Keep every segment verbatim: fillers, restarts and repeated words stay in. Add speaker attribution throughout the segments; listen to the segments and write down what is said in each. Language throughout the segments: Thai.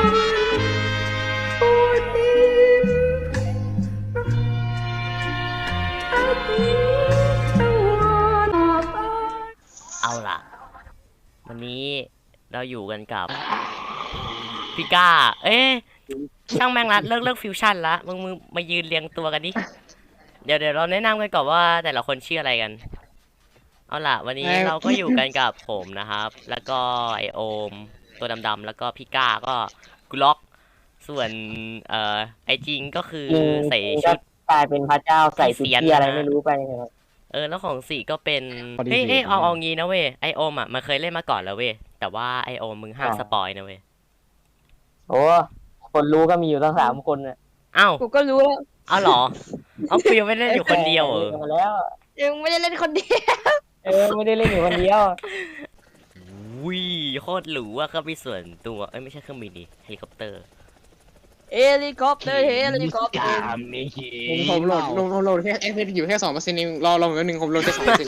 Speaker 1: เอาล่ะวันนี้เราอยู่กันกับพี่ก้าเอ๊ะช่างแม่งละเลิกเลิกฟิวชั่นละมึงมึงมายืนเรียงตัวกันดิเดี๋ยวเดี๋ยวเราแนะนำกันก่อนว่าแต่ละคนชื่ออะไรกันเอาล่ะวันนี้เราก็อยู่กันกับผมนะครับแล้วก็ไอโอมตัวดำๆแล้วก็พี่ก้าก็กุล็อกส่วนเอ่อไอจริงก็คือใส่ชุด
Speaker 2: กลายเป็นพระเจ้าใส่ชุดที่อะไรไม่รู้ไป
Speaker 1: เออแล้วของสี่ก็เป็นเฮ้ยเฮ้ยเอาเอางี้นะเว้ยไอโอมอ่ะมันเคยเล่นมาก่อนแล้วเว้ยแต่ว่าไอโอมมึงห้ามสปอยนะเว้ย
Speaker 2: โอ้คนรู้ก็มีอยู่ตั้งสามคนอ่ะ
Speaker 1: อ้าว
Speaker 3: กูก็รู้แล้ว
Speaker 1: อ้าวเหรอเอากูยังไม่เล่นอยู่คนเดียวเออ
Speaker 2: แล้ว
Speaker 3: ยังไม่ได้เล่นคนเดียว
Speaker 2: เออไม่ได้เล่นอยู่คนเดียว
Speaker 1: วิโคตรหรูอ่ะเครื่องบินส่วนตัวเอ้ยไม่ใช่เครื่องบินดิเฮลิคอปเตอร์
Speaker 3: เฮลิคอปเตอร์เฮลิคอปเตอร์
Speaker 4: ผมผมโหลดโหลดโหลดแค่เอฟอยู่แค่สองเปอร์เซ็นต์เองรอรอแป๊บนึงผมโหลดแค่สองเปอร์เซ็นต์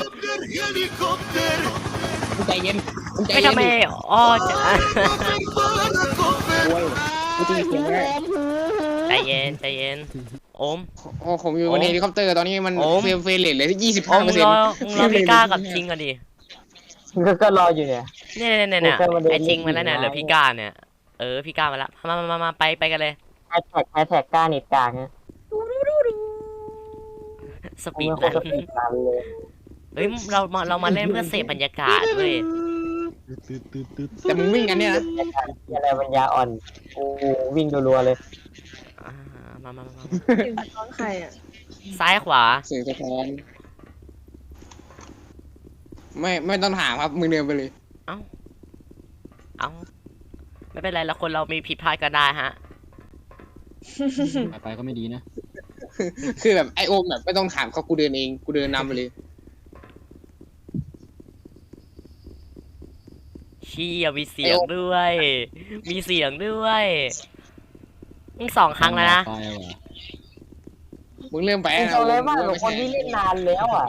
Speaker 4: ใจเย็นใจเย็น
Speaker 1: ไม่ทำไมอ๋อจะใจเย็นใจเย็นโอม
Speaker 4: โอ้ผมอยู่บนเฮลิคอปเตอร์ตอนนี้มันเฟรมเฟรมเลทเลยที่ยี่สิบห้าเปอร์เซ็นต์
Speaker 1: รอพี่ก้ากับจริงกันดิ
Speaker 2: ก็รออยู่เนี่ย
Speaker 1: เนี่ยเนี่ยเนี่ยไอจริงมาแล้วเนี่ยเหลือพี่ก้าเนี่ยเออพี่ก้ามาแล้วมามามาไปไปกันเลย
Speaker 2: แฮชแท็กแฮชแท็กก้าเน็ตกลางนะ
Speaker 1: สปีดรันเฮ้ยเรามาเรามาเล่นเพื่อเสพบรรยากาศเว้ย
Speaker 4: แต่มึงวิ่งกันเนี่ยนะ
Speaker 2: อะไรปัญญาอ่อนโอ้วิ่งรัวๆเลย
Speaker 1: มามามา
Speaker 3: ถึงท้องใครอ่ะ
Speaker 1: ซ้ายขวา
Speaker 4: เสียงสะท้อนไม่ไม่ต้องถามครับมึงเดินไปเลย
Speaker 1: เอ้าเอ้าไม่เป็นไรแล้วคนเรามีผิดพลาดก็ได้ฮะ
Speaker 5: ไปก็ไม่ดีนะ
Speaker 4: คือแบบไอโอมแบบไม่ต้องถามเขากูเดินเองกูเดินนำไปเลย
Speaker 1: เชี่ยมีเสียงด้วยมีเสียงด้วยมึงสองครั้งแล้วนะ
Speaker 4: มึงเริ่มไป
Speaker 2: นะเลยว่าคนที่เล่นนานแล้วอ่ะ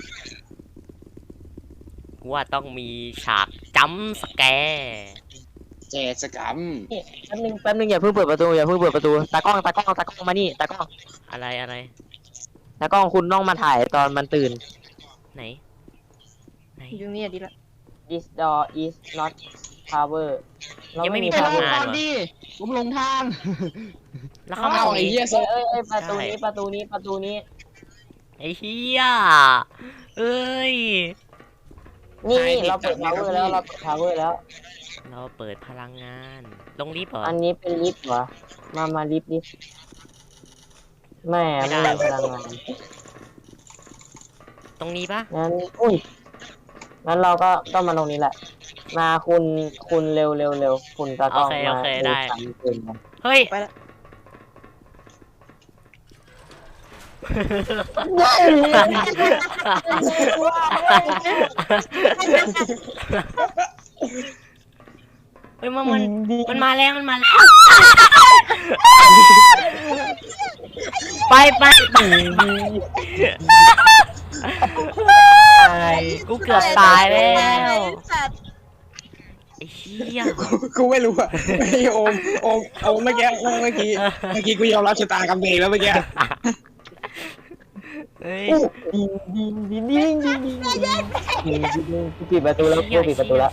Speaker 1: ว่าต้องมีฉากจัมสแกร์
Speaker 4: แจสกัม
Speaker 2: แป๊บนึงแป๊บนึงอย่าเพิ่งเปิดประตูอย่าเพิ่งเปิดประตูตากล้องตากล้องตากล้องมานี่ตากล้อง
Speaker 1: อะไรอะไร
Speaker 2: ตากล้องคุณต้องมาถ่ายตอนมันตื่น
Speaker 1: ไหนไหน
Speaker 3: อยู่นี่ดีละ
Speaker 2: This door is not cover
Speaker 1: ยังไม่มีทางงาน
Speaker 5: ดิผมลงทาง
Speaker 1: แล้วเข้ามาตรงนี้
Speaker 2: เอ้ยเอ้ยประตูนี้ประตูนี้ประตูนี้
Speaker 1: ไอ้เหี้ยเอ้ย
Speaker 2: นี่เราเปิด power แล้วเราเปิด power แล้ว
Speaker 1: เราเปิดพลังงานลงลิฟต์เหรอ
Speaker 2: อันนี้เป็นลิฟต์เหรอมามาลิฟต์ดิแม่ไม่ได้พลังงาน
Speaker 1: ตรงนี้ปะ
Speaker 2: งั้นอุ้ยงั้นเราก็ต้องมาตรงนี้แหละมาคุณคุณเร็วเร็วเร็วคุณตากล้องมา
Speaker 1: โอเคได้เฮ้ย
Speaker 3: ไปละ
Speaker 1: เฮ้ยมันมันมันมาแล้วมันมาแล้วไปไปกูเกือบตายแล้วไอ้เหี้ย
Speaker 4: กูไม่รู้อะไอโอมโอมโอมเมื่อกี้เมื่อกี้เมื่อกี้กูยอมรับชะตากรรมเองแล้วเมื่อกี้
Speaker 1: เฮ้ย
Speaker 2: ดิงดิงดิงดิงดิงดิงดิงปิดประตูแล้วปิดประตูแล้ว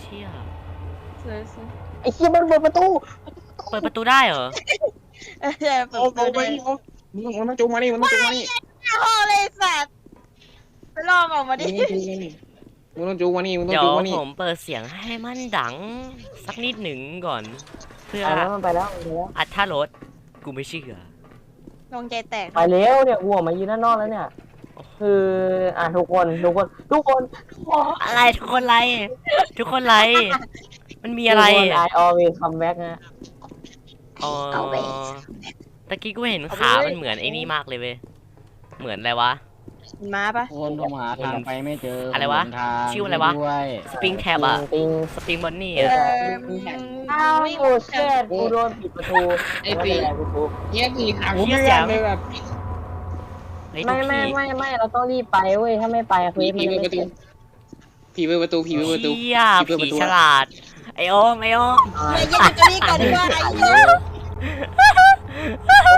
Speaker 2: ไอ้เหี้ยมันเปิดประตู
Speaker 1: เปิดประตูได้เหรอ
Speaker 4: โอ้โหไปมึงมันต้องจูงมานี่มันต้องจูงมานี่
Speaker 3: โอ้เลยสัตว์ไปลองออกมาดิ
Speaker 4: มึงต้องจูงมานี่มึงต้อง
Speaker 1: จู
Speaker 4: งมานี่
Speaker 1: เดี๋ยวผมเปิดเสียงให้มันดังสักนิดหนึ่งก่อนเพื่อ
Speaker 2: ไปแล้ว
Speaker 1: อัดท่ารถกูไม่เชื่อ
Speaker 3: ลงใจแตก
Speaker 2: ไปแล้วเนี่ยวัวมายืนด้านนอกแล้วเนี่ยคืออ่ะทุกคนทุกคนทุกคน
Speaker 1: อะไรทุกคนไรทุกคนไรมันมีอะไร
Speaker 2: I always come back นะ
Speaker 1: อ๋อตะกี้กูเห็นขามันเหมือนไอ้นี่มากเลยเว้ยเหมือนอะไรวะ
Speaker 3: ม้าปะ
Speaker 5: คนต้องหาทางไปไม่เจอ
Speaker 1: อะไรวะชื่ออะไรวะสปริงแท็บอะสปริงบอนนี่อะ
Speaker 2: อ้าวโอ้เชิดกูโดนปิดประตู
Speaker 4: ไอ้ปีเงี้ยปีขากูไม่ยอมเลยแบบ
Speaker 2: ไม่ไม่ไม่ไม่เราต้องรีบไปเว้ยถ้าไม่ไปคุยมันไม่ติด
Speaker 4: ผีเปิดประตูผีเปิดประตู
Speaker 1: ผีฉลาดไอโอมไอโอม
Speaker 3: ไม่ยังจะรีบก่อนดีกว่าไอโอม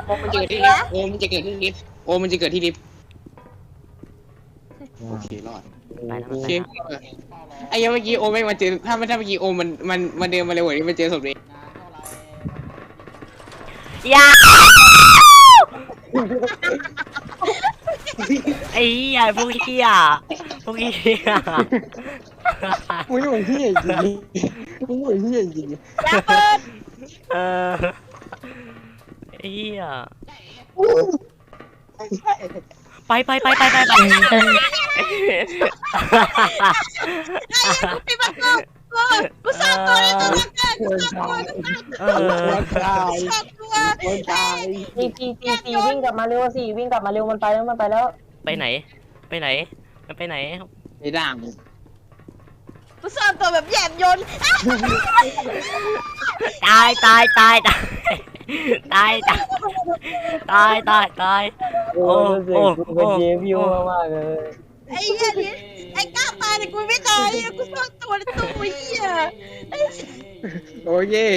Speaker 4: โอมมันจะเกิดที่ลิฟต์โอมมันจะเกิดที่ลิฟต์โอมมันจะเกิดที่ลิฟต์โอเครอด
Speaker 1: ไปแล้ว
Speaker 4: โอ
Speaker 1: มัน
Speaker 4: เค
Speaker 1: ไปแล้ว
Speaker 4: ไอ้ยังเมื่อกี้โอมไม่มาเจอถ้าไม่ถ้าเมื่อกี้โอมมันมันมันเดินมาเร็วกว่านี้มันเจอศพเลย
Speaker 1: อย่าไอ้เหี้ยพวกเหี้ยพวกเหี้ย
Speaker 4: มึงนี่มันเหี้ยจริงมึงมันเหี้ยจริง
Speaker 3: อย่าเปิด
Speaker 1: เออไอ้เหี้ยไปไปไปไปไปไป
Speaker 3: ปิดประตูกูกูสร้างตัวในตัวเกินกูสร้างตัว
Speaker 1: เอ
Speaker 4: ค
Speaker 1: อน
Speaker 4: ตาย
Speaker 3: สร้างตัว
Speaker 4: คนตาย
Speaker 2: จีจีจีจีวิ่งกลับมาเร็วสิวิ่งกลับมาเร็วมันไปแล้วมันไปแล้ว
Speaker 1: ไปไหน ไปไหน มันไปไหน
Speaker 4: ไอ้ด่าง
Speaker 3: กูสร้างตัวแบบแยบยนต์
Speaker 1: ตายตายตายตายตายตายตายตายตาย
Speaker 2: โอ้เสียงกูเป็นเยฟิวมากๆเลย
Speaker 3: ไอ้เหี้ยนี่ไอ้ก้าวตายแต่กูไม่ตายกูสร้างตัวในตัวเหี้ย
Speaker 4: โอ้ย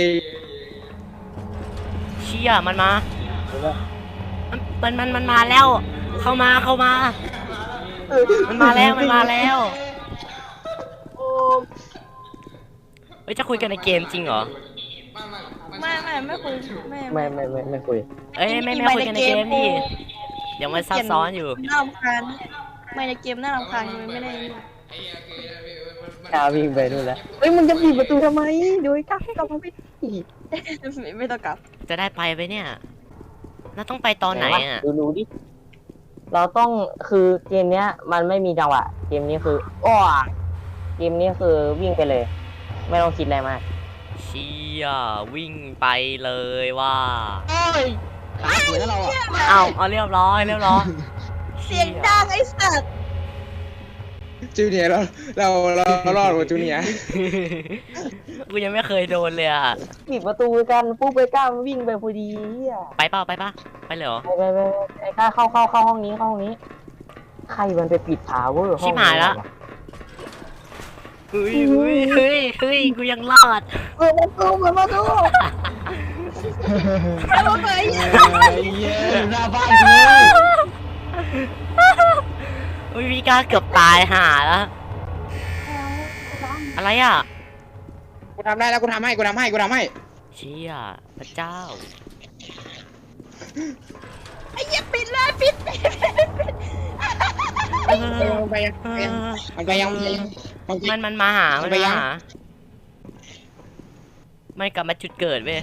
Speaker 1: เชี่ยมันมามันมันมันมาแล้ว เข้ามาเข้ามา มันมาแล้วมันมาแล้วเฮ้ยจะคุยกันในเกมจริงเหรอ
Speaker 3: ไม่ไม่ไม่คุยไม่
Speaker 2: ไม่ไม่ไม่ไม่คุย
Speaker 1: เอ้ยไม่ไม่คุยกันในเกมดิเดี๋ยวมันซับซ้อนอยู่
Speaker 3: น่ารำคาญไม่ในเกมน่ารำคาญกูไม่ได้
Speaker 2: กล้าวิ่งไปนู่นแล้วเฮ้ยมึงจะปิดประตูทำไมโดยกล้ากลับมาไม่ดี
Speaker 3: ไม่ต้องกลับ
Speaker 1: จะได้ไปไปเนี่ยเราต้องไปตอนไหนอ่ะ
Speaker 2: ดูดูดิเราต้องคือเกมเนี้ย มันไม่มีจังหวะเกมนี้คืออ้อเกมนี้คือวิ่งไปเลย ไม่ต้องคิดอะไรมาก
Speaker 1: เชี่ยวิ่งไปเลยว่า
Speaker 5: โอ้ยขาสวยนะเราอ่ะ
Speaker 1: เอาเอาเรียบร้อยเรียบร้อย
Speaker 3: เสียงดังไอ้สัตว์
Speaker 4: จูเนียร์เราเราเรารอดกว่าจูเนียร์
Speaker 1: กูยังไม่เคยโดนเลยอ่ะ
Speaker 2: ปิดประตูกันปุ๊บไปกล้าวิ่งไปพอดีอ่ะ
Speaker 1: ไปเปล่าไปปะไปเลยเหรอ
Speaker 2: ไปไปไปไอ้กล้าเข้าเข้าเข้าห้องนี้เข้าห้องนี้ใครมันไปปิดพาวเวอร์ห้อง
Speaker 1: ชิบหายละ เฮ้ยเฮ้ยเฮ้ยเฮ้ยกูยังรอด
Speaker 2: เปิดประตูเปิดประตู
Speaker 3: เอาไป
Speaker 5: เย้หน้าบ้านกู
Speaker 1: อุ้ยพี่กล้าเกือบตายห่าแล้วอะไรอ่ะ
Speaker 4: กูทำได้แล้วกูทำให้กูทำให้กูทำให้
Speaker 1: เชี่ยพระเจ้า
Speaker 3: ไอ้เหี้ยปิดเลยปิดปิดปิด
Speaker 1: เออ
Speaker 4: ไปยัง
Speaker 1: เอ
Speaker 4: ไปยัง
Speaker 1: อ
Speaker 4: มันไปยังมันไปยัง
Speaker 1: มันมันมาหา มัน
Speaker 4: ไป
Speaker 1: มา
Speaker 4: ยัง
Speaker 1: หามันกลับมาจุดเกิดเว้ย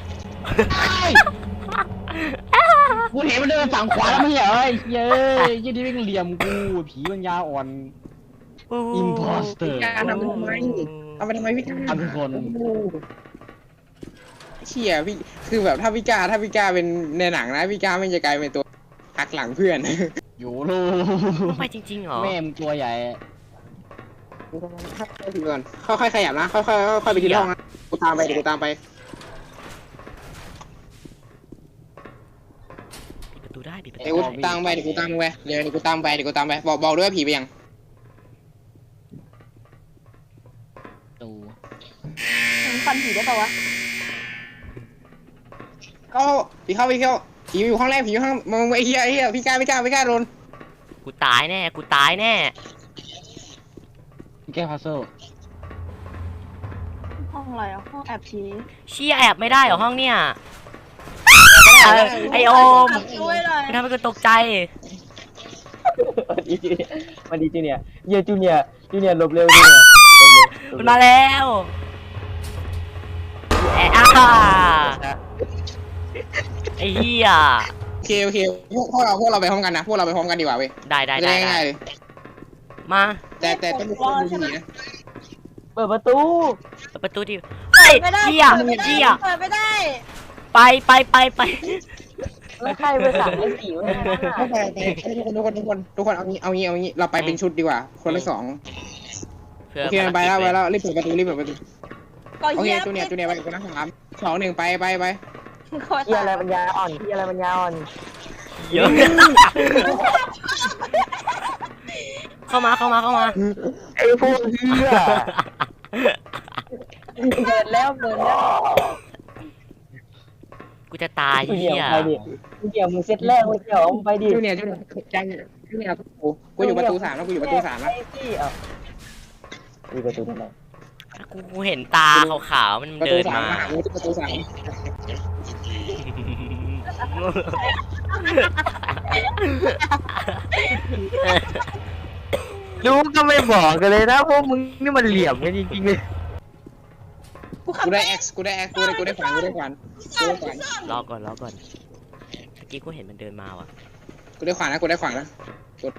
Speaker 5: กูเห็นมันเดินฝั่งขวาแล้วไม่เหรอเย้ยี่นี่วิ่งเหลี่ยมกูผีมันยาอ่อน Imposter
Speaker 4: การทำทำไมทำไปทำไมพี่กา
Speaker 5: ทำทุกคน
Speaker 4: เชี่ยพี่คือแบบถ้าพี่กาถ้าพี่กาเป็นในหนังนะพี่กาไม่จะกลายเป็นตัวหักหลังเพื่อน
Speaker 5: อยู่ลู
Speaker 1: ต้องไปจริงๆเหรอ
Speaker 5: แม่มตัวใหญ่
Speaker 4: ถึงก่อนค่อยๆขยับนะค่อยๆค่อยๆไปที่ห้องนะกูตามไปเดี๋ยวกูตามไป
Speaker 1: ปิดประตูได้ปิดประ
Speaker 4: เดี๋ยว
Speaker 1: ตู
Speaker 4: กู
Speaker 1: ได้
Speaker 4: ตามไปเดี๋ยวกูตามไปเดี๋ยวเดี๋ยวกูตามไปเดี๋ยวกูตามไปบอกบอกด้วยว่าผีไปยัง
Speaker 5: ตู
Speaker 3: มึงฟันผีได้ปะวะ
Speaker 4: เข้าผีเข้าผีเข้าผีอยู่ห้องแรกผีอยู่ห้องมึงไอ้เหี้ยไอ้เหี้ยพี่กาไม่กล้าไม่กล้าโดน
Speaker 1: กูตายแน่กูตายแน่
Speaker 5: แก้พัซเซิล
Speaker 3: ห้องอะไรอ่ะห้องแอบผี
Speaker 1: เชี่ยแอบไม่ได้เหรอห้องเนี้ยเออไอโอม
Speaker 3: ช่วยหน่อย
Speaker 1: มันทำให้กูตกใจ
Speaker 2: วันดีจูเนียร์วันดีจูเนียร์เยี่ยจูเนียร์จูเนียร์หลบเร็วจูเนียร์หลบเร็ว
Speaker 1: มันมาแล้วแอะอ่าไอ้เหี้ย
Speaker 4: โอเคโอเคพวกพวกเราพวกเราไปพร้อมกันนะพวกเราไปพร้อมกันดีกว่าเว้ย
Speaker 1: ได้ได้
Speaker 4: จะ
Speaker 1: ได้
Speaker 4: ได้
Speaker 1: ได้
Speaker 4: ง่ายๆเลย
Speaker 1: มา
Speaker 4: แต่แต่ต้องดูคนดูผีนะ
Speaker 2: เปิดประตู
Speaker 1: เปิดประตูดิเฮ้ย
Speaker 3: ไม่ได้
Speaker 1: เหี้ย
Speaker 3: เปิดไม่ได้
Speaker 1: เหี้ย
Speaker 3: เปิดไม่ได้
Speaker 1: ไปไปไปไป
Speaker 2: แล้วใครไปสั่งไอ้สีวะเนี่ยนั่นน่ะ
Speaker 4: ไม่แต่แต่ทุกคนทุกคนทุกคนทุกคนเอางี้เอางี้เอางี้เราไปเป็นชุดดีกว่า คนละสอง
Speaker 1: พื่
Speaker 4: โอเคไปแล้วไปแล้วรีบเปิดประตูรีบเปิดประตู
Speaker 3: ก็
Speaker 4: โอเค
Speaker 3: เหี้ย
Speaker 4: จูเนียร์จูเนียร์ไปคนละสามสองหนึ่งไปไปไป
Speaker 3: ก็
Speaker 2: ที่
Speaker 3: ตา
Speaker 2: อะไร
Speaker 3: ย
Speaker 2: ปัญญาอ่อนที่อะไรปัญญาอ่อน
Speaker 1: เยอะเข้ามาเข้ามาเข้ามา
Speaker 2: ไอ้พวกเหี้ยเปิดแล้วเปิดแล้ว
Speaker 1: กูจะตาย
Speaker 2: จูเนี
Speaker 1: เฮี
Speaker 2: ย
Speaker 1: ย
Speaker 2: ร์ไปดิจูเนียร์มึงเซตแรกมึงเดี๋ยวมึงไปดิ
Speaker 4: จูเนียร์จูเนียร์จังจูเนียร์กูกูอยู่ประตูสามแล้วกูอยู่ประตูสามแล้ว
Speaker 2: ไอ้ที่เอ่ะมีประตูทำไม
Speaker 1: กูกูเห็นตาขาวๆมัน
Speaker 4: ประ
Speaker 1: เดิ
Speaker 4: ตู
Speaker 1: น
Speaker 4: สาม
Speaker 1: มา
Speaker 4: มาหากูที่ประตูสาม
Speaker 2: รู้ก็ไม่บอกกันเลยนะพวกมึงนี่มันเหลี่ยมกันจริงๆเลย
Speaker 3: กูขับ
Speaker 4: กูได้ X กูได้ X กูได้กูได้ขวานกูได้ขวานกูได้ขวาน
Speaker 1: รอก่อนรอก่อนเมื่อกี้กูเห็นมันเดินมาว่ะ
Speaker 4: กูได้ขวานนะกูได้ขวานนะกด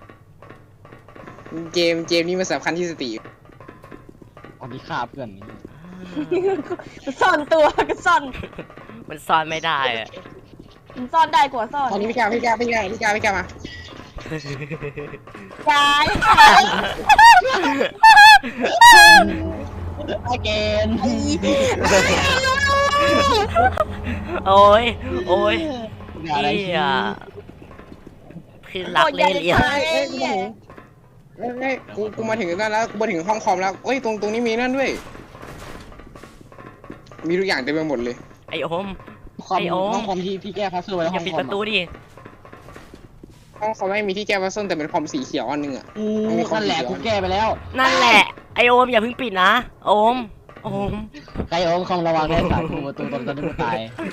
Speaker 4: เกมเกมนี้มันสำคัญที่สติ
Speaker 5: เอาที่ฆ่าเพื่อนนี่
Speaker 3: กูซ่อนตัวกูซ่อน
Speaker 1: มันซ่อนไม่ได้อะ
Speaker 3: มันซ่อนได้กว่าซ่อน
Speaker 4: ตอนนี้พี่กาพี่กาพี่กาพี่กาพี่กามา
Speaker 3: ย้าย
Speaker 5: ไอเกน
Speaker 1: โอ้ยโอ้ย
Speaker 5: อะไร
Speaker 1: เฮี
Speaker 5: ที่
Speaker 1: ยคือรักเล่นเลี้ยง
Speaker 4: เอ้ยกูมาถึงเอ้ยเอ้ยกูกูมาถึงนั่นแล้วกูมาถึงห้องคอมแล้วเอ้ยตรงตรงนี้มีนั่นด้วยมีทุกอย่างเต็มไปหมดเลย
Speaker 1: ไอโอม
Speaker 5: คอม
Speaker 1: ไอ้โอ๊ค
Speaker 5: ห้องคอมที่พี่แก้พัซเซิลไว้
Speaker 1: อ
Speaker 5: ห้
Speaker 1: ย่า
Speaker 5: อง
Speaker 1: ปิด
Speaker 5: คอ
Speaker 1: ป
Speaker 5: ม
Speaker 1: ระตูดิ
Speaker 4: ห้องคอมไม่มีที่แก้พัซเซิลแต่เป็นคอมสีเขียวอันหนึงอ่ะ
Speaker 5: กูนั่นแหละกูแก้ไปแล้ว
Speaker 1: นั่นแหละไอโอมอย่าเพิ่งปิดนะโอมโอม
Speaker 5: ใครโอ้คอมระวังได้สายกูประตูตอนตอนนี้กูตาย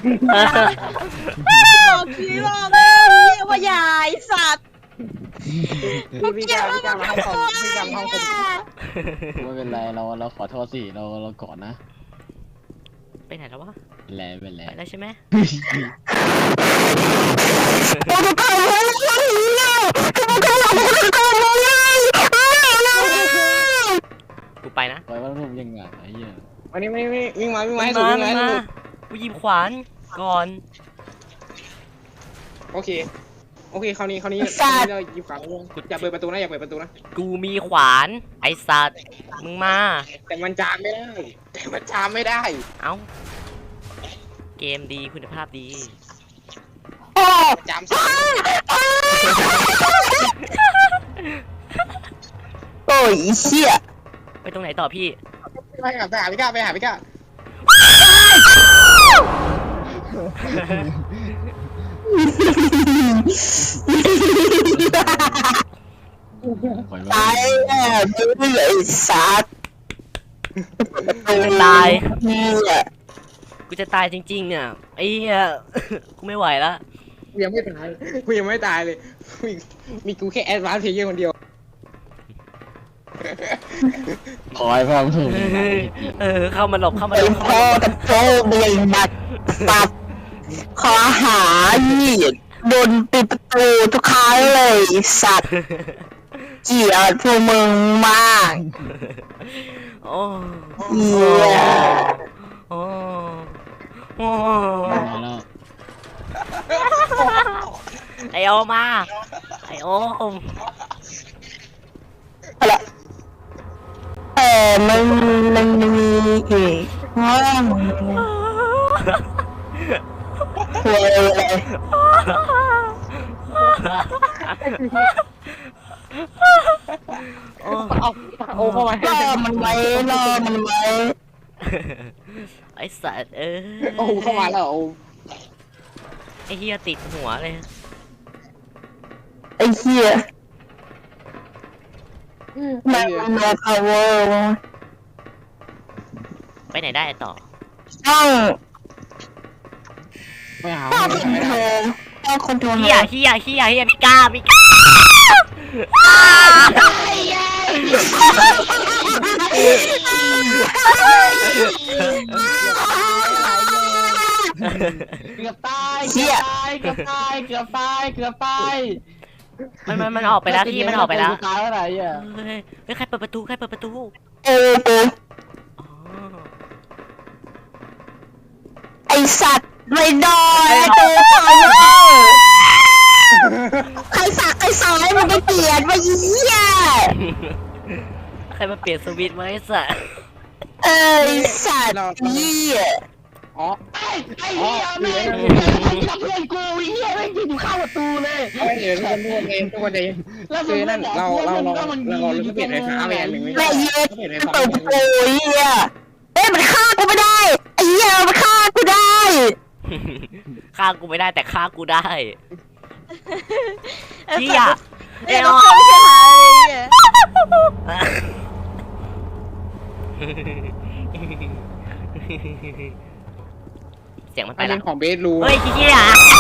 Speaker 3: บอกคีบอกเลยว่าใหญ่สัตว์
Speaker 4: พี่พี่กาพี่กามาห้องคอมพี่กามาห้องคอม
Speaker 5: ไม่เป็นไรเราเราขอโทษสิเราเราก่อนนะ
Speaker 1: ไปไหนแล้ววะ
Speaker 5: เป็นไรเป็นไร
Speaker 1: ไปแล้วใช่ไหมกูไปนะ
Speaker 5: ปล่อยว่ารูปยังไงไอ้เหี้ย
Speaker 4: วันนี้ไม่ไม่วิ่งมาวิ่งมา
Speaker 1: มา
Speaker 4: ให้สุดวิ่งมาให้
Speaker 1: มา
Speaker 4: สุด
Speaker 1: กูหยิบขวานก่อน
Speaker 4: โอเคโอเคคราวนี้คราวนี้คราวนี้เราหยิบขวานอย่าเปิดประตูนะอย่าเปิดประตูนะ
Speaker 1: กูมีขวานไอสัตว์มึงมา
Speaker 4: แต่มันจามไม่ได้แต่มันจามไม่ได้
Speaker 1: เอ้าเกมดีคุณภาพดี
Speaker 4: จามสาย
Speaker 2: โอ้ยเชี่ย
Speaker 1: ไปตรงไหนต่อพี่
Speaker 4: ไปหาไปหาพี่กาไปหาพี่กา
Speaker 5: ปล่อย
Speaker 2: ตา
Speaker 5: ว่าย
Speaker 2: แน่มึงไอ้สัตว์
Speaker 1: กูจะตาย
Speaker 2: เนี่ย
Speaker 1: กูจะตายจริงๆเนี่ยไอ้เหี้ย กูไม่ไหวแล้ว
Speaker 4: กูยังไม่ตายกูยังไม่ตายเลยมีมีกูแค่แอดวานซ์เพลเยอร์คนเดียว
Speaker 5: ขอให้พ่อมึงถูก
Speaker 1: เออเข้ามาหลบเข้ามาหล
Speaker 2: เป็
Speaker 1: บ
Speaker 2: น
Speaker 1: เข้า
Speaker 2: พ่อ
Speaker 1: มาหลบ
Speaker 2: กับโจ้เบยบัดตับขอหาหยีดโดนปิดประตูทุกครั้งเลยไอ้สัตว์เกลียดพวกมึงมาก
Speaker 1: โอ้
Speaker 2: เหี้ย
Speaker 1: โอ้โอ้
Speaker 5: มาแล้ว
Speaker 1: ไอโอมาไอโอม
Speaker 2: อะไรเออมันมันมีอีกห้องคุยเลย
Speaker 1: โอ้
Speaker 4: เอาโอ้เข้ามา
Speaker 2: รอมันไว้รอมันไว้
Speaker 1: ไอสัตว์เอ้ย
Speaker 4: โอ้เข้ามาแล้วโอ้
Speaker 1: ไอเฮียติดหัวเลย
Speaker 2: ไอ้เหี้ยแม่งโนพาวเวอร์
Speaker 1: ไปไหนได้ต่อ
Speaker 2: ต้อง
Speaker 5: ไปหา
Speaker 2: ต้องคอนโทรลต้องคอนโทรล
Speaker 1: เฮียเฮียเฮียเฮียพี่ก้าพี่ก้า
Speaker 5: เกือบตายเกือบตายเกือบตายเกือบตายเกือบตาย
Speaker 1: มันมันมันออกไปแล้วพี่มันออกไปแล้ว
Speaker 5: ตายแล้วไหนอ่ะ
Speaker 1: เฮ้ยเฮ้ยใครเปิดประตูใครเปิดประตู
Speaker 2: เออกู
Speaker 1: อ๋อ
Speaker 2: ไอสัตว์ไม่ดอยไอ้ตัวพาวเวอร์ใครสักใครสายมันก็เกลียดว่าเหี้ย
Speaker 1: ใครมาเปลี่ยนสวิตช์มาไอ้สัส
Speaker 2: เอ้ยสัตว์เหี้ย
Speaker 4: อ๋อ
Speaker 5: ไอ้ไอ้เหี้ยแม่งกับเพื่อนกูไอ้เหี้ยแม่งยืนอยู่ข้างประตูเลย
Speaker 4: เอาเดี๋ยวทุกคนทุกคนเองทุกคนเอง
Speaker 5: แล้ว
Speaker 4: คือนั่น
Speaker 5: มึง
Speaker 4: เรา
Speaker 5: บอก
Speaker 4: เรา
Speaker 5: ว่า
Speaker 4: เรา
Speaker 5: มัน
Speaker 4: เราเราเราเปลี่ยนไฟฟ้าไปอันหนึ่งไม่
Speaker 2: แม่
Speaker 4: ได้
Speaker 2: เย็ด
Speaker 4: เปลี่ยนไฟ
Speaker 2: มัน
Speaker 4: ฟ้า
Speaker 2: เปิดประตูเหี้ยเอ้ยมันฆ่ากูไม่ได้ไอ้เหี้ยมันฆ่ากูได้
Speaker 1: ฆ่ากูไม่ได้แต่ฆ่ากูได้
Speaker 3: ไอ้
Speaker 1: เฮี
Speaker 3: สั
Speaker 1: ย
Speaker 3: ตว์
Speaker 1: เอ
Speaker 3: ไอ้
Speaker 1: อ
Speaker 3: ด็อกเตอร์ไม่ใช่หาเลยเนี่ย
Speaker 1: เสียงมัน
Speaker 4: ป
Speaker 1: ไประ
Speaker 4: เด็
Speaker 1: ละ
Speaker 4: นของเบสรู
Speaker 1: เฮ้ยเฮีย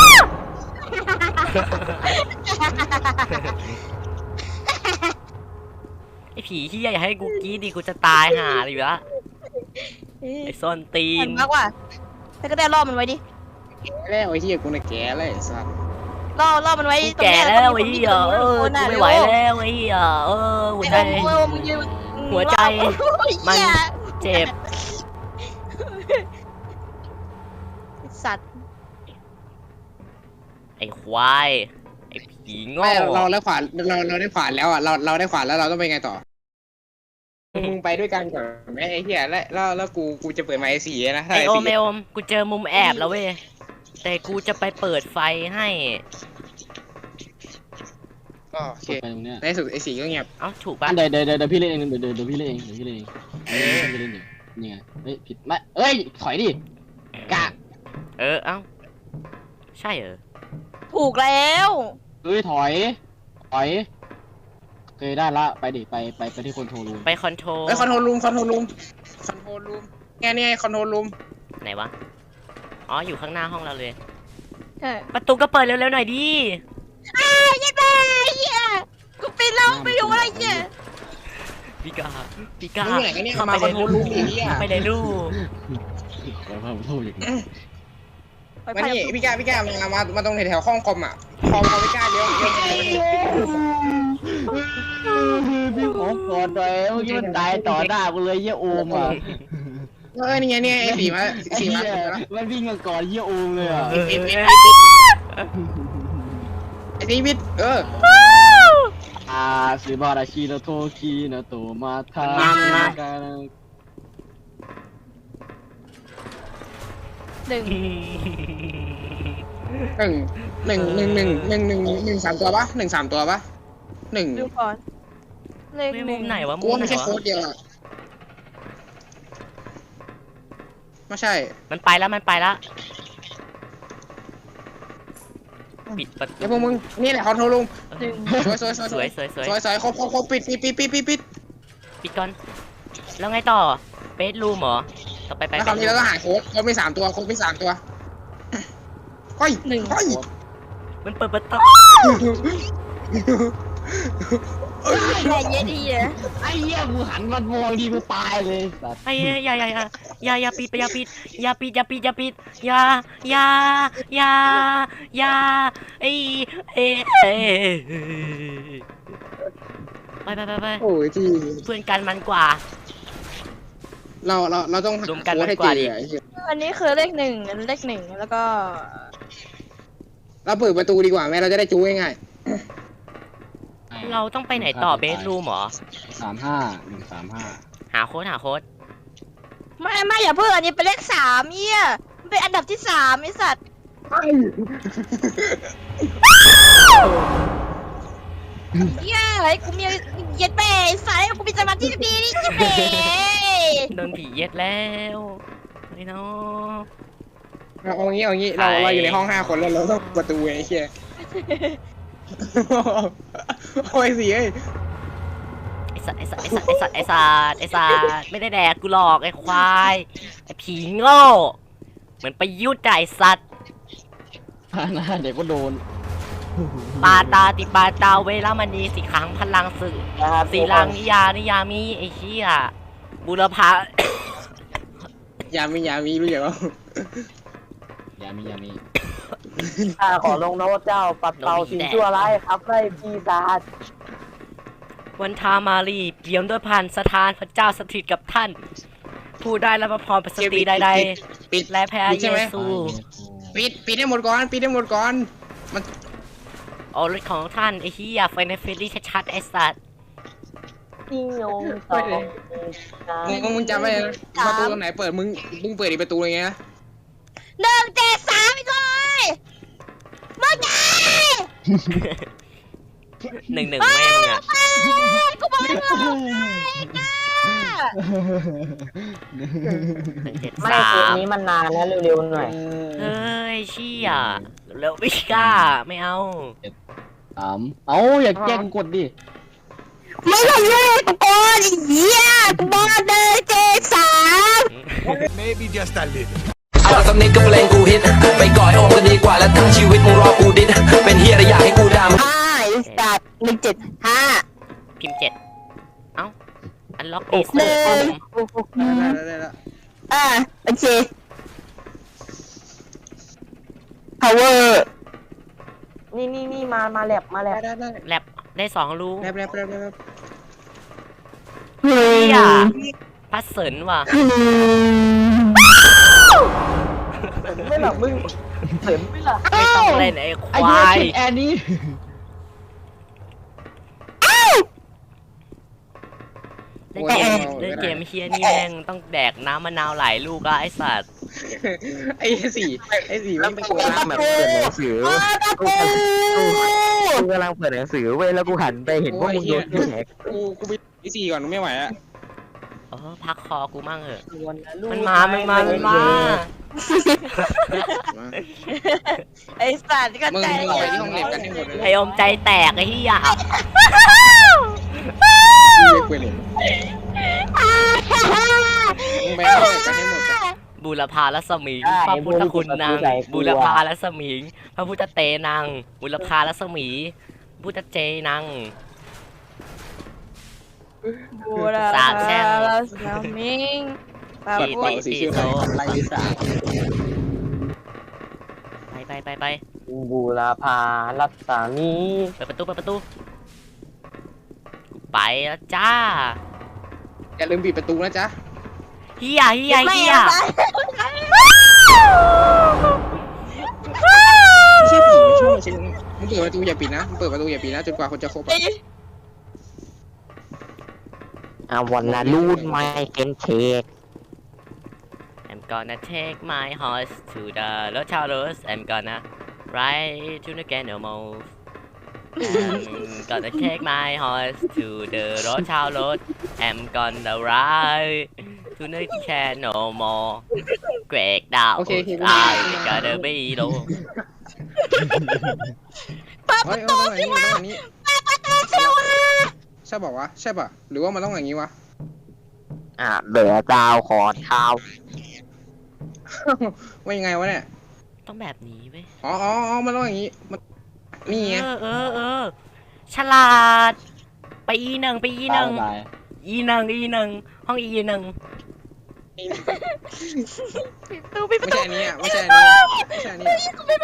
Speaker 1: ไอผีเฮียอย่าให้กูกรีดดิกูจะตายห่าเลยละไอส้นตี
Speaker 3: เห็
Speaker 1: น
Speaker 3: นมากว่ะแต่ก็ได้ล่อมันไว้ดิ
Speaker 4: แล้วไอ้เหี้ยกูน่ะแก่แล้วไอ้สัส
Speaker 3: ล่อล่อมันไว้
Speaker 1: กู
Speaker 3: ตรง
Speaker 1: แก่
Speaker 3: เนี้ย
Speaker 1: แล้ว
Speaker 3: ก็
Speaker 1: ไอ้
Speaker 3: มี
Speaker 1: เหี้ย
Speaker 3: คน
Speaker 1: เออ
Speaker 3: คน
Speaker 1: กู
Speaker 3: น่ะ
Speaker 1: ไม่ไหวแล้วไอ้เหี้ยเออหัวใจ
Speaker 3: ไอ้โอมมึงยืน
Speaker 1: หัวใจ
Speaker 3: มัน
Speaker 1: เจ็บ
Speaker 3: สัตว์
Speaker 1: ไอ้ควายไอ้ผีโง่
Speaker 4: ไม่เราได้ขวานเราเราได้ขวานแล้วอ่ะเราเราได้ขวานแล้วเราต้องไปไงต่อมึงไปด้วยกันก่อนไหมไอ้เหี้ยแล้วแล้วแล้วกูกูจะเปิดไมค์สี่นะถ้า
Speaker 1: ไอ
Speaker 4: ไอ้
Speaker 1: โอม
Speaker 4: สี่
Speaker 1: ไอโอมกูเจอมุมแอบแล้วเว้ยแต่กูจะไปเปิดไฟให้
Speaker 4: ก็โอเค
Speaker 5: ไปตรงเนี้ย
Speaker 4: ในที่สุดไอ้สี่ก็เงียบ
Speaker 1: เอ้าถูกปะ
Speaker 5: เดี๋ยวเดี๋ยวเดี๋ยวพี่เล่นเองเดี๋ยวเดี๋ยวเดี๋ยวพี่เล่นเองเดี๋ยวพี่เล่นเองเดี๋ยวพี่เล่นเองนี่ไงเฮ้ยผิดไม่เอ้ยถอยดิกะ
Speaker 1: เออเอ้าใช่เหรอ
Speaker 3: ถูกแล้ว
Speaker 5: เฮ้ยถอยถอยเคยได้ละไปดิไปไปไปที่คอนโทรลรูม
Speaker 1: ไปคอนโทรล
Speaker 4: ไอ้คอนโทรลรูมคอนโทรลรูมคอนโทรลรูมแกนี่ไงคอนโทรลรูม
Speaker 1: ไหนวะอ๋ออยู่ข้างหน้าห้องเราเลย
Speaker 3: เออ
Speaker 1: ประตูก็เปิดเร็วๆหน่อยดิ
Speaker 3: อ้าวยัยแม่เหี้ยกูปิดแล้วไปอยู่อะไรเนี่ย
Speaker 1: พี่กาพี่กา
Speaker 4: มึงไหนกันเนี่ย
Speaker 1: เข้า
Speaker 4: มา
Speaker 1: ไป
Speaker 4: ค
Speaker 1: ใน
Speaker 4: อนโทร
Speaker 1: รู
Speaker 4: ลรูมไอ้เหี้ย
Speaker 1: เข้าไปในรู
Speaker 5: ขอพาผมโทษอย่าง
Speaker 3: ไป
Speaker 4: มา
Speaker 3: พา
Speaker 4: นี่พี่ก้าพี่ก้ามามามาตรงแถวๆห้องคอมอ่ะคอมคอมพี่ก้าเดี๋ยวเดี๋ยว
Speaker 5: พี่ขอกอดหน่อยเมื่อกี้มันตายต่อหน้ากูเลยเยี่ยโอมอ่ะ
Speaker 4: เออนี่ไงเนี่ยไอ้สี่มา
Speaker 5: ไอ้
Speaker 4: สี่มา
Speaker 5: เหี้ยมันวิ่งมาก่อนเยี่ยโอมเลยอ่ะ
Speaker 4: ปิดปิดปิดปิดปิดไอ้สี่ปิดเออ
Speaker 5: อ่าสืบาราชิโนโตคิโนโตมาทา
Speaker 3: หนึ่ง
Speaker 4: หนึ่งหนึ่งหนึ่งหนึ่งหนึ่งหนึ่งหนึ่งสามตัวปะหนึ่งสามตัวปะหนึ่ง
Speaker 3: ดูก่อนเลข
Speaker 1: ไม่
Speaker 3: ห
Speaker 1: มุ
Speaker 3: นึ่ง
Speaker 1: มไหนวะ
Speaker 4: กู
Speaker 1: มุม
Speaker 4: ว่า
Speaker 1: ไหน
Speaker 4: ไม่ใช่
Speaker 1: วะ
Speaker 4: โค้ดเดียวอะไม่ใช่
Speaker 1: มันไปแล้วมันไปแล้วปิดประตู
Speaker 4: เดี๋ยวพวกมึงนี่แหละคอนโทรลรูม
Speaker 3: หนึ่ง
Speaker 4: สวยสวยสวย
Speaker 1: สวยสวยสวย
Speaker 4: สวยสวยครบครบครบปิดปิดปิดปิดปิดปิด
Speaker 1: ปิดก่อนแล้วไงต่อเบสรูมเหรอต่อไปไป
Speaker 4: แล้วคราวนี้เราก็หาโค้ดโค้ดมีสามตัวโค้ดมีสามตัวเฮ้ย
Speaker 3: หนึ่ง
Speaker 4: เฮ้ย
Speaker 1: มันเปิดประตู
Speaker 3: อย่าเย็ดอีอ่ะ
Speaker 5: ไอ้เหี้ยกูหันมามองดีกูตายเลยสัตว์
Speaker 1: ไอ้เหี้ยอย่าอย่าอย่าอย่าอย่าปิดอย่าปิดอย่าปิดอย่าปิดอย่าปิดอย่าอย่าอย่าอย่าไอ้เอ้เอ้ไปไปไปไป
Speaker 4: โอ้ยที่
Speaker 1: เพื่อนกันมันกว่า
Speaker 4: เราเราเราต้อง
Speaker 1: รวมกัน
Speaker 4: โค้ดให้
Speaker 1: มันกว่า
Speaker 4: เจ
Speaker 1: ดิ
Speaker 4: อไอ้เหี้ย
Speaker 3: อันนี้คือเลขหนึ่งอันเลขหนึ่งแล้วก็
Speaker 4: เราเปิดประตูดีกว่าแม่เราจะได้จู้ง่าย
Speaker 1: เราต้องไปไหนต่อเบสรูมเหรอ
Speaker 5: สามห้าหนึ่งสามห้า
Speaker 1: หาโค้ดหาโค้ด
Speaker 3: ไม่ไม่อย่าเพิ่งอันนี้เป็นเลขสามเอี้ยมันเป็นอันดับที่สามไอสัตว์เอี้ยไอ้กูมีเย็ดแม่ไอ้สายกูมีสมาธิดีนี่เย็ดแม่
Speaker 1: โดนผีเย็ดแล้วไอ้น้อง
Speaker 4: ๆเอาเอางี้เอางี้เรา
Speaker 1: ใคร
Speaker 4: เราอยู่ในห้องห้าคนแล้วเราต้องเปิดประตูไอ้เหี้ยโอ้ยสิเอ้ย
Speaker 1: ไอสัตว์ไอสัตว์ไอสัตว์ไอสัตว์ไอสัตว์ไอสัตว์ไม่ได้แดกกูหลอกไอควายไอผีโง่เหมือนไปยุดไอสัตว์
Speaker 5: พาหน้าเดี๋ยวก็โดน
Speaker 1: ปาตาติปาตาเวลามณีสีครั้งพลังสื่อสีลังนิยานิยามีไอเชี่ยบุรพา
Speaker 4: ยามียามีรู้อย่างว่า
Speaker 5: อย่ามีอย่ามี
Speaker 2: ข้าขอลงนะว่าเจ้าปัดเป่าสิ่งชั่วร้ายครับไล่ปีศาจ
Speaker 1: วันทามารีเปี่ยมด้วยพันสถานพระเจ้าสถิตกับท่าน ผู้ได้รับพรประสตรีใด
Speaker 4: ปิด
Speaker 1: ๆและแพ้
Speaker 4: ปิด
Speaker 1: เย
Speaker 4: ใช่ไหม
Speaker 1: ซู
Speaker 4: ปิดปิดให้หมดก่อนปิดให้หมดก่อนมัน
Speaker 1: โอรสของท่านไอเฮียไฟในเฟรลี่ชัดๆไอสัตว์
Speaker 2: นิยมต่อ
Speaker 4: มึงมึงมึงจำไว้นะประตูตรงไหนเปิดมึงมึงเปิดอีกประตูอย่างเงี้ยนะ
Speaker 3: หนึ่งเจ็ดสามไอ้ก้อยมึงไง
Speaker 1: หนึ่งหนึ่งแม่มึงอะ
Speaker 3: กูบอกให้มึง
Speaker 1: หนึ่งเจ็ด
Speaker 2: ไม่
Speaker 1: สา
Speaker 2: เกม
Speaker 1: ม
Speaker 2: นี้มันนานนะเร็วๆหน่อย
Speaker 1: เฮ้ยเชี่ยแล้วไม่กล้าไม่เอา
Speaker 5: สามเอาอย่าแย่งกดดิ
Speaker 2: ไม่ใช่เรื่องตะโกนไอ้เหี้ยกูบอกเลยเจสาม
Speaker 6: Maybe just a little.
Speaker 7: เอาสักนิดก็เพลงกูฮิตไปก่อยโอมก็ดีกว่าแล้วทั้งชีวิตมึงรอกูดิดเป็นเฮียอะไรอยากให้กูด่ามึง
Speaker 2: ห้าไอ้สัตว์หนึ่งเจ็ดห้า
Speaker 1: พิมพ์เจ็ดเอ้าอันล็อก
Speaker 2: ห
Speaker 1: เอ
Speaker 2: นึ่ง
Speaker 4: ได้แล้วได้แล้ว
Speaker 2: อ่าโอเค power
Speaker 3: นี่นี่นี่มามาแลบมาแลบ
Speaker 4: ได้ได้
Speaker 1: แลบได้สองรู
Speaker 4: แลบแลบแลบแลบ
Speaker 2: หนึ่
Speaker 1: เชี่ย
Speaker 2: ง
Speaker 1: พัดเสรินว่ะ
Speaker 2: หนึ่ง
Speaker 3: ไม่หรอกมึงเห็นไม่หรอ
Speaker 1: ไม่ต้องเล่นไอ้ค
Speaker 5: ไอ้เหี้
Speaker 1: วาย ย
Speaker 5: ผิดแอนนี่
Speaker 1: เล่นเกมเล่นเกมเฮียนี่แม่งต้องแดกน้ำมะนาวหลายลูกอะไอสัตว์
Speaker 4: ไอ้สี่ไอ้สี่ไม่ไปโกง
Speaker 2: กำลังแบบเปิดหนังสือกูกูกำลังเปิดหนังสือเว้ยแล้วกูหันไปเห็นพวกมึงโดนแหก
Speaker 4: กูกูไปไอ้สี่ก่อนไม่ไหวอ่ะ
Speaker 1: เออพักคอกูมั่งเหอะ
Speaker 3: วนนะลูก
Speaker 1: มันมา มันมา มันมา
Speaker 3: ไอ้สัตว์ก็
Speaker 4: มึง
Speaker 3: ใจ
Speaker 4: มึงไปที่ห้องเล็บกันให้หมดเลย
Speaker 1: ไออมใจแตกไอ้เหี้ย
Speaker 4: ไม่คุยเลยมึงไปห้องเล็บกันให้หมด
Speaker 1: บูรพารัศมีพระพุทธคุณนางบูรพารัศมีพระพุทธเตนางบูรพารัศมีพุทธเจนาง
Speaker 3: บูรา
Speaker 1: สาบแช่ง
Speaker 3: ลาสนามิงปา
Speaker 4: เปิด
Speaker 3: ปุ
Speaker 4: เป่าย สีชื่อไปไล่ลิซ่า
Speaker 1: ไปไปไปไป
Speaker 5: บูราพารัศมี
Speaker 1: เปิดประตูเปิดประตูไปแล้วจ้า
Speaker 4: อย่าลืมปิดประตูนะจ๊ะ
Speaker 1: เฮียเฮีย
Speaker 3: ไม่
Speaker 1: เฮีย
Speaker 3: เอาไป
Speaker 4: ไม่ใช่ผีไม่ใช่ไม่ใช่มึงเปิดประตูอย่าปิดนะมึงเปิดประตูอย่าปิดนะจนกว่าคนจะครบอ่ะ
Speaker 2: อ่ะวันละรูดไม่เป็นเค้ก
Speaker 1: I'm gonna take my horse to the Rochelle Road I'm gonna ride to the Canal I'm gonna take my horse to the Rochelle Road I'm gonna ride to the Canal Mall Great down
Speaker 4: โอเคโอเค
Speaker 1: I gotta be low
Speaker 4: เฮ้ยต้องอย่างนี้ต้องอย่างนี้ใช่บอกว่าใช่ป่ะหรือว่ามันต้องอย่างนี้วะ
Speaker 2: อ่ะเหลือเจ้าขอเท้า
Speaker 4: ว่ายังไงวะเนี่ย
Speaker 1: ต้องแบบนี้เว้ย
Speaker 4: อ๋ออ๋อมันต้องอย่างนี้มันนี่ไง
Speaker 1: เออเออเออฉลาด ไปอีหนึ่งไปอีหนึ่ง
Speaker 5: ตาย
Speaker 1: อีหนึ่งอีหนึ่งห้องอีหนึ่ง
Speaker 3: ปิดประตูปิดประ
Speaker 4: ไม่
Speaker 3: ตู
Speaker 4: ใช่อันนี้อ่ะไม่ใช่อันนี้ไม่ใช่อันนี้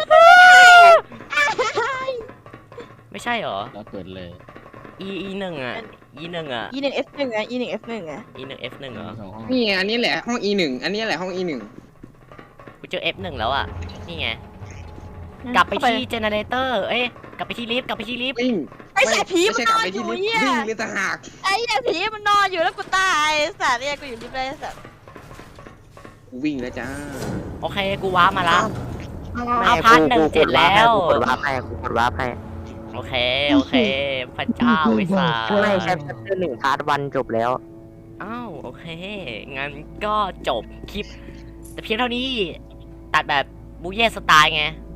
Speaker 1: ไม่ใช่เหรอ
Speaker 5: แล้วเกิดเลย
Speaker 1: อีอีหนึ่งอ่ะอีหนึ่งอ่ะ
Speaker 3: อีหนึ่ง F หนึ่งอะอีหนึ่ง F หนึ่งอะ
Speaker 1: อีหนึ่ง F หนึ่งเหรอ
Speaker 5: สองห้อง
Speaker 4: นี่ไงอันนี้แหละห้อง อี หนึ่งอันนี้แหละห้อง อี หนึ่ง
Speaker 1: กูเจอ F หนึ่งแล้วอ่ะ นี่ไง กลับไปที่เจเนเรเตอร์ เอ้ย กลับไปที่ลิฟต์ กลับไปที่ลิฟต์
Speaker 4: วิ่ง
Speaker 3: ไอ้สัตว์ผี
Speaker 4: ไม่
Speaker 3: มัน
Speaker 4: ใช่
Speaker 3: น
Speaker 4: กลับ
Speaker 3: อน
Speaker 4: ไป
Speaker 3: อ
Speaker 4: ที่
Speaker 3: ยู่
Speaker 4: ลิฟต์
Speaker 3: เหี้ย
Speaker 4: วิ่งหรือต่างหาก
Speaker 3: ไอ้เหี้ยผีมันนอนอยู่แล้วกูตายไอ้สัตว์เนี่ยกูอยู่ริมเลยไอ้สัตว์
Speaker 4: กูวิ่งแล้วจ้า
Speaker 1: โอเค กูว้าร์ปมาละ
Speaker 2: ไม่
Speaker 1: เอาพาร์ทหนึ่ง
Speaker 2: กู
Speaker 1: เสร็จแล้ว
Speaker 2: กูกดวาร์ปให้กูกดวาร์ปให้
Speaker 1: โอเค โอเค พระเจ้าไอ้สัส
Speaker 2: ไม่ใช่แค่หนึ่งพาร์ทวันจบแล้ว
Speaker 1: อ้าว โอเค งั้นก็จบคลิป แต่เพียงเท่านี้ ตัดแบบบูเย่สไตล์ไง